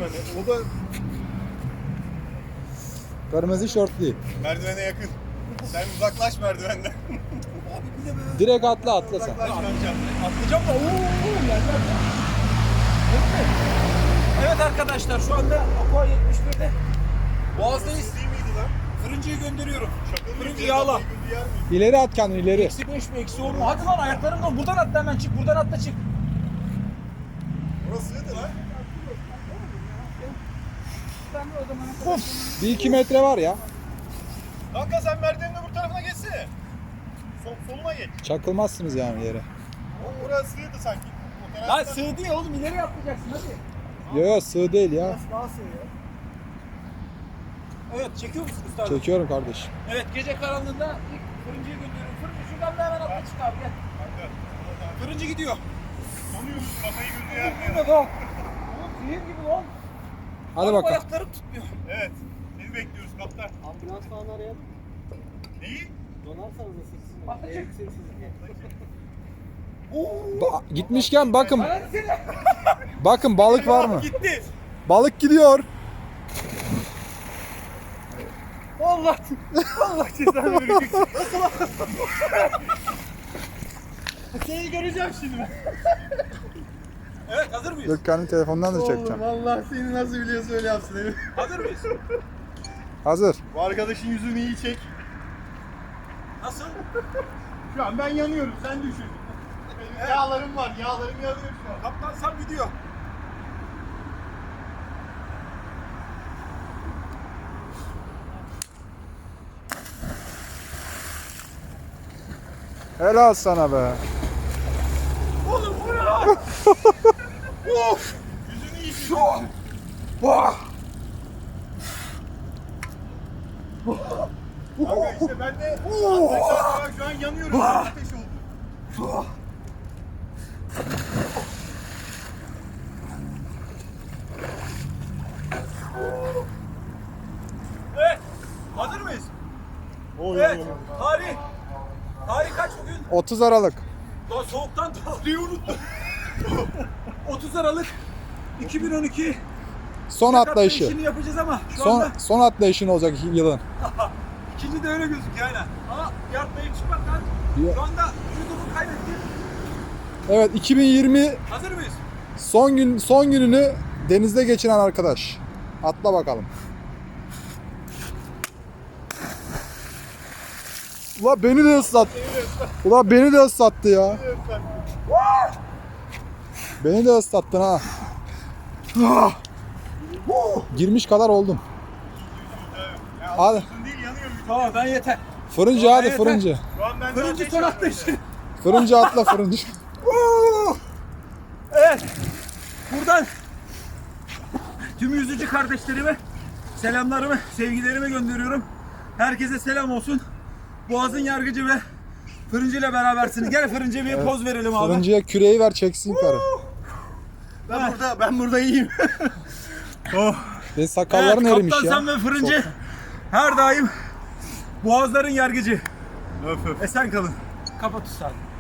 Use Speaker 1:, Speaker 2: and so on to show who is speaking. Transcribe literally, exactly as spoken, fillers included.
Speaker 1: merdivene. O da
Speaker 2: Kırmızı şortlu.
Speaker 1: merdivene yakın. Sen uzaklaş merdivenden.
Speaker 3: Abi bir de be.
Speaker 2: Direkt atla atla sen.
Speaker 1: Uzaklaş bence.
Speaker 3: Atlayacağım da ooo yerler. Evet arkadaşlar şu anda Aqua yetmiş birde Boğaz'dayız.
Speaker 1: Değil miydi lan?
Speaker 3: Fırıncıyı gönderiyorum.
Speaker 1: Şaka mı?
Speaker 3: Fırıncı
Speaker 1: Bir
Speaker 3: yağla.
Speaker 1: adam bir yer mi?
Speaker 2: İleri at kendini ileri.
Speaker 3: Eksi beş mi eksi on mu? Hadi lan ayaklarımla buradan atla hemen çık. Buradan atla çık.
Speaker 1: Orası sığdı lan.
Speaker 2: Bir iki metre var ya.
Speaker 1: Kanka sen merdivenin öbür tarafına geçsene. Sol, soluna geç.
Speaker 2: Çakılmazsınız yani yere.
Speaker 1: O orası sığdı sanki. O
Speaker 3: Lan
Speaker 1: taraftan-
Speaker 3: sığdı ya oğlum ileri atlayacaksın hadi.
Speaker 2: Yo yo sığ değil ya.
Speaker 3: Daha sığ ya. Evet çekiyor musun usta?
Speaker 2: Çekiyorum kardeşim.
Speaker 3: Evet gece karanlığında ilk fırıncıyı gönderiyorum. Fırıncı şuradan da hemen atla çık abi gel.
Speaker 1: Kanka,
Speaker 3: Fırıncı gidiyor.
Speaker 1: donuyoruz kafayı gözü yer mi?
Speaker 3: Değil mi lan? Oğlum zehir gibi lan.
Speaker 2: Hadi
Speaker 3: Oğlum,
Speaker 2: bakalım.
Speaker 3: ayaklarım tutmuyor.
Speaker 1: Evet. Seni bekliyoruz kaptan.
Speaker 4: Ambulans falan arayalım.
Speaker 1: Neyi?
Speaker 4: Donarsanız da sizin.
Speaker 3: Atla çık.
Speaker 4: Elektriği sizin.
Speaker 2: Ba- gitmişken bakın.
Speaker 3: Hadi seni.
Speaker 2: Bakın balık var mı?
Speaker 3: Gitti.
Speaker 2: Balık gidiyor.
Speaker 3: Allah Allah cezanı verecek.
Speaker 1: Seni göreceğim şimdi ben.
Speaker 3: Evet hazır mıyız?
Speaker 2: Dur kendi telefondan da çekeceğim.
Speaker 1: Vallahi seni nasıl biliyorsa öyle yapsın evi.
Speaker 3: Hazır mıyız?
Speaker 2: Hazır.
Speaker 1: Bu arkadaşın yüzünü iyi çek.
Speaker 3: Nasıl?
Speaker 1: Şu an ben yanıyorum sen düşün. Benim yağlarım var yağlarım yanıyor şu an.
Speaker 3: Kaptan sen gidiyor.
Speaker 2: Helal sana be.
Speaker 3: Oğlum bu ne lan? Of!
Speaker 1: Yüzünü iyi çek.
Speaker 3: Şu an. Vah!
Speaker 1: Kanka işte ben de bak şu an yanıyorum. Ateş oldu.
Speaker 3: Evet. Hazır mıyız?
Speaker 1: O
Speaker 3: Evet. Tarih. Tarih kaç bugün?
Speaker 2: otuz Aralık.
Speaker 3: Daha soğuktan tarihi unuttum. otuz Aralık iki bin on iki.
Speaker 2: Son
Speaker 3: Tek
Speaker 2: atlayışı.
Speaker 3: atlayışını yapacağız ama şu
Speaker 2: Son
Speaker 3: anda
Speaker 2: son atlayışın olacak yılın.
Speaker 3: ikinci de öyle gözüküyor aynen. Ama bir atlayıp çıkmaktan
Speaker 2: Ya-
Speaker 3: şu anda vücudumu kaybettim.
Speaker 2: Evet iki bin yirmi
Speaker 3: Hazır mıyız?
Speaker 2: son gün son gününü denizde geçiren arkadaş. Atla bakalım. Ula beni de ıslattı. Ula beni de ıslattı ya. Beni de ıslattın ha. Girmiş kadar oldum. Hadi.
Speaker 1: Uzun değil yanıyor vücut.
Speaker 3: Tamam ben yeter.
Speaker 2: Fırıncı hadi
Speaker 3: Evet,
Speaker 2: fırıncı.
Speaker 1: Şu an ben de
Speaker 3: Fırıncı
Speaker 1: ateş
Speaker 3: son
Speaker 1: yanıyor.
Speaker 3: atlayışı.
Speaker 2: Fırıncı atla fırıncı.
Speaker 3: Evet. Buradan tüm yüzücü kardeşlerime selamlarımı, sevgilerimi gönderiyorum. Herkese selam olsun. Boğaz'ın yargıcı ve Fırıncı ile berabersiniz. Gel Fırıncı'ya bir poz verelim abi.
Speaker 2: Fırıncıya küreği ver çeksin karı.
Speaker 1: Ben burada ben burada iyiyim. oh.
Speaker 2: Ve sakalların
Speaker 3: Evet,
Speaker 2: erimiş
Speaker 3: Kaptan
Speaker 2: ya.
Speaker 3: sen ve Fırıncı her daim Boğazların yargıcı.
Speaker 1: Öf öf.
Speaker 3: Esen kalın. Kapat usta.